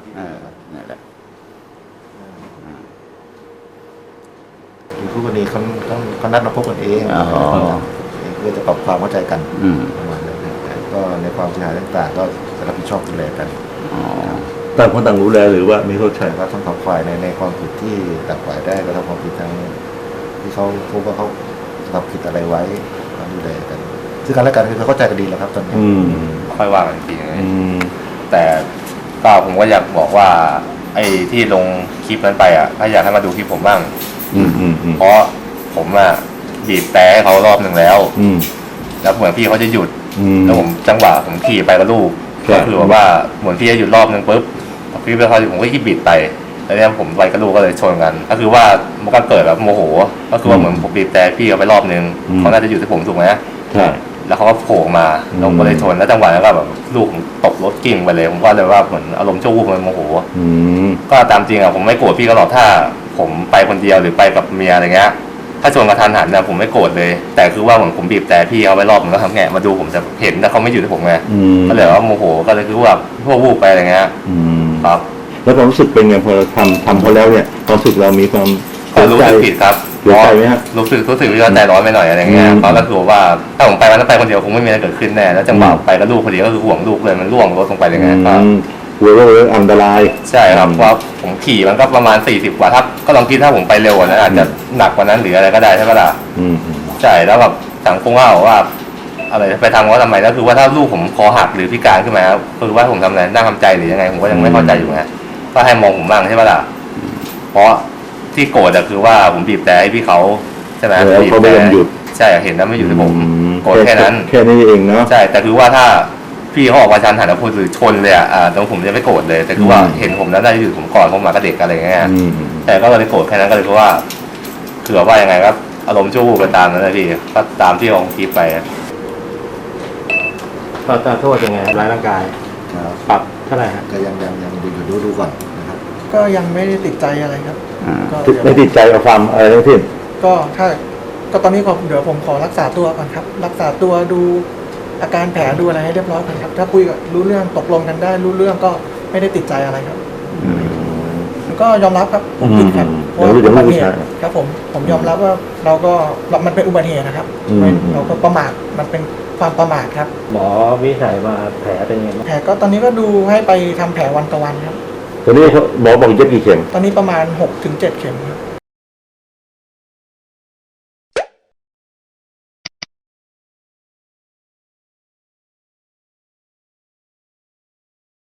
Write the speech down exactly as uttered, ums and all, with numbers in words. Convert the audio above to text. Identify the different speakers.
Speaker 1: เออนั่นแหละ
Speaker 2: คู่กรณีเขาต้องเขานัดมาพบกันเองเพื่อจะปรับความเข้าใจกันประมาณนั้นก็ในความเสียหายต่างๆก็จะรับผิดชอบดูแลกัน
Speaker 3: ต่างคนต่างรู้แลหรือว่ามีเข้าใจ
Speaker 2: ว่าทั้งสองฝ่ายในในความผิดที่ต่างฝ่ายได้กระทำความผิดทางที่เขาพบว่าเขาทำผิดอะไรไว้มาดูแลกันซึ่งกันและกันคือเขาเข้าใจกันดีแล้วครับตอนนี้
Speaker 4: ค่อยว่ากันจริงเลยแต่ก็ผมก็อยากบอกว่าไอ้ที่ลงคลิปนั้นไปอ่ะถ้าอยากให้มาดูคลิปผมบ้างเพราะผมอ่ะบีบแต่ให้เขารอบหนึ่งแล้วแล้วเหมือนพี่เขาจะหยุดแล้วผมจังหวะผมขี่ไปกับลูกก็คือว่าเหมือนพี่จะหยุดรอบหนึ่งปุ๊บพี่ไปเขาผมก็ขี่บีบไปแล้วเนี่ยผมไปกับลูกก็เลยชนกันก็คือว่ามันก็เกิดแบบโมโหก็คือว่าเหมือนผมบีบแต่พี่เขาไปรอบหนึ่งเขาน่าจะหยุดที่ผมถูกไหม
Speaker 3: ใช่
Speaker 4: แล้วเขาก็โผล่มาแล้วผมก็เลยชนแล้วจังหวะนั้นก็แบบลูกตกรถกิ่งไปเลยผมก็เลยว่าเหมือนอารมณ์ชั่ววูบมันโมโหก็ตามจริงอ่ะผมไม่โกรธพี่เขาหรอกถ้าผมไปคนเดียวหรือไปกับเมียอะไรเงี้ยถ้าชนกระทันหันเนี่ยผมไม่โกรธเลยแต่คือว่าเหมือนผมบีบแต่พี่เขาไปรอบมันก็ทำแงะมาดูผมจะเห็นแต่เขาไม่อยู่ที่ผมไงก็เลยว่าโมโหก็เลยคือว่าพวกวูบไปอะไรเงี้ยครับ
Speaker 3: แล้วความรู้สึกเป็นไงพอเราทำทำเขาแล้วเนี่ยความรู้สึกเรามีความ
Speaker 4: รู้สึกผิดครับ
Speaker 3: รู้สึกไหมฮะ
Speaker 4: รู้สึกรู้สึกว่าใจร้อนไปหน่อยอะไรเงี้ยเพราะก็คือว่าถ้าผมไปมันก็ไปคนเดียวคงไม่มีอะไรเกิดขึ้นแน่แล้วจังหวะไปกับลูกพอดีก็คือห่วงลูกเลยมันล่วงรถลงไปเลยไงครับ
Speaker 3: กลัวว่าอันตราย
Speaker 4: ใช่ครับเพราะผมขี่มันก็ประมาณสี่สิบกว่าถ้าก็ลองคิดถ้าผมไปเร็วกว่านั้นอาจจะหนักกว่านั้นหรืออะไรก็ได้ใช่ไหมล่ะใช่แล้วแบบสังคมว่าว่าอะไรไปทำว่าทำไมแล้วคือว่าถ้าลูกผมคอหักหรือพิการขึ้นมาคือว่าผมทำอะไรนั่งทำใจหรือยังไงผมก็ยังไม่เข้าใจอยู่ไงก็ให้มองผมบ้างใช่ไหมล่ะเพราะที่โกรธคือว่าผมบีบแต่ให้พี่เขาใช่ไหม
Speaker 3: บีบแต่
Speaker 4: ใช่เห็นแล้วไม่อยู่ที่ผมโกรธแค่นั้น
Speaker 3: แค่นี้เองเนาะ
Speaker 4: ใช่แต่คือว่าถ้าพี่เขาออกมาชันหันแล้วพูดหรือชนเลยอ่ะตรงผมจะไม่โกรธเลยแต่คือว่าเห็นผมแล้วได้อยู่ผมก่อนผมมากับเด็กอะไรเงี้ยแต่ก็เลยโกรธแค่นั้นก็เลยเพราะว่าคือว่ายังไงก็อารมณ์ชั่ววูบไปตามนั้นเลยพี่ก็ตามที่ลองคลิปไป
Speaker 5: ก็จะโทษยังไงร้ายร่างกายปรับเท่าไหร่ฮะ
Speaker 2: ก็ยังยังยังดูดูดูก่อนนะครับ
Speaker 6: ก็ยังไม่ได้ติดใจอะไรครับ
Speaker 3: ไม่ติดใจกับความอะไรทั้งสิ้น
Speaker 6: ก็ถ้าก็ตอนนี้ก็เดี๋ยวผมขอรักษาตัวก่อนครับรักษาตัวดูอาการแผลดูอะไรให้เรียบร้อยก่อนครับถ้าคุยกับรู้เรื่องตกลงกันได้รู้เรื่องก็ไม่ได้ติดใจอะไรครับก็ยอมรับครับผมผิดครับเพราะอุบัติเหตุครับผมผมยอมรับว่าเราก็มันเป็นอุบัติเหตุนะครับเราก็ประมาทมันเป็นความประมาทครับ
Speaker 5: หมอวิจัยมาแผลเป็นยังไง
Speaker 6: แผลก็ตอนนี้ก็ดูให้ไปทำแผลวันต่อวันครับ
Speaker 3: ตอนนี้หมอบอกเย็บกี่เข็ม
Speaker 6: ตอนนี้ประมาณหกถึงเจ็ดเข็มครับ